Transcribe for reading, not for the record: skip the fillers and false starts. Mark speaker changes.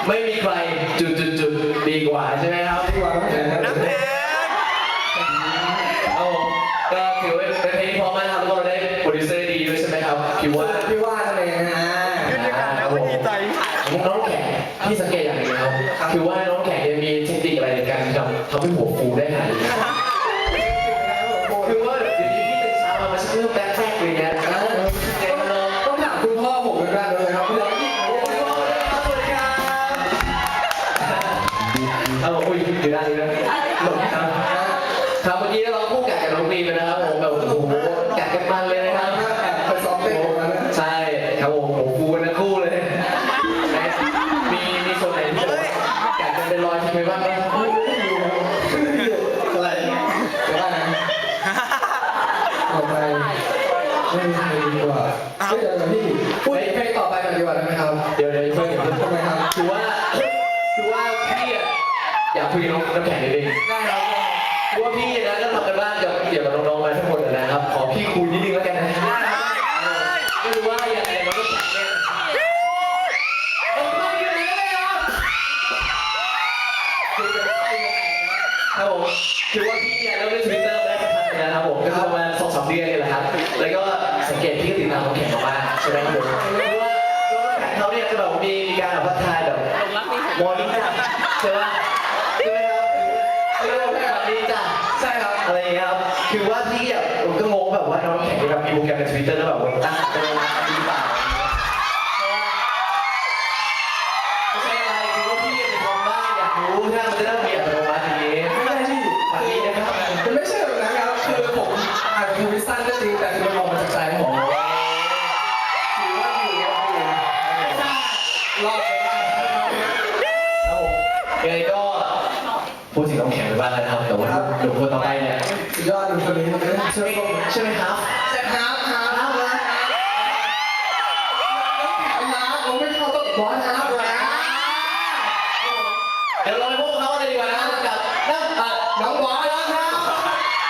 Speaker 1: ไม่มีใครจุดดีกว่าใช่ไหมครับดีกว่าน้ำแข็งเอาก็ถือว่าเป็นเพลงที่พอมากครับแล้วก็ได้โปรดิวเซอร์ดีด้วยใช่ไหมครับพี่ว่านั่นเองนะขึ้นด้วยกันแล้วดีใจน้องแข็งที่สังเกตอย่างหนึ่งนะครับคือว่าน้องแข็งจะมีเทคนิคอะไรในการทำให้หัวฟูได้ขนาดนี้คือว่าเดี๋ยวนี้พี่ตื่นเช้ามามันจะเริ่มแป๊กๆเลยเนี่ยต้องถามคุณพ่อผมเป็นการเลยครับเอาคุยอยู่ด้านนี้นะหลบครับครับเมื่อกี้เราคู่กัดกับน้องมีไปนะครับผมแบบโอ้โหกัดกันมันเลยนะครับไปซ้อมเต้นใช่ครับผมโอ้โหกันทั้งคู่เลยมีส่วนไหนที่กัดกันเป็นรอยทิ้งไปบ้างไหมอะไรเดี๋ยวนะต่อไปไม่มีใครดีกว่าเดี๋ยวพี่พูดเพลงต่อไปกันดีกว่าได้ไหมครับเดี๋ยวเพื่อนทำไมครับคือว่าพี่อยากคุยกับน้ำแข็งนิดนึงได้ครับเพราะว่าพี่นะก็ทำกันบ้านเกี่ยวกับน้องๆมาทั้งหมดนะครับขอพี่คุยนิดนึงแล้วกันนะไม่รู้ว่าอย่างน้องน้ำแข็งเนี่ยครับผมคือว่าพี่เนี่ยเราเล่นทวิตเตอร์ได้สักพักนะครับผมก็ประมาณ2-3 เดือนนี่แหละครับแล้วก็สังเกตพี่ก็ติดตามน้ำแข็งมากใช่ไหมครับผมเพราะว่าน้องน้ำแข็งเขาเนี่ยจะแบบมีการแบบพัฒนาแบบมอร์นิ่งใช่ไหมใช่ครับอะไรอย่างเงี้ยครับคือว่าพี่อ่ะผมก็งงแบบว่าน้องแข่งกับมีโปรแกรมใน Twitter แล้วแบบว่าตั้งเป็นดีเปล่าไม่ใช่อะไรคือว่าพี่เป็นคนบ้าอยากรู้ถ้ามันจะได้เปลี่ยนไปวันนี้ไม่ใช่ที่ฝันนี้นะครับมันไม่ใช่แบบนั้นครับคือผมอ่านทวิตสั้นก็จริงแต่มันออกมาจากใจผมถือว่าอยู่รอดไปได้ครับผมยังไงก็พูดถึงน้องแข็งไปบ้างแล้วนะครับแต่ว่าหนุ่มคนต่อไปเนี่ยสุดยอดหนุ่มคนนี้ใช่ไหมครับใช่ครับครับนะเราไม่เข้าต้องบอสครับเดี๋ยวเราไปพบเขาเลยดีกว่านะครับกับน้องบอสนะครับ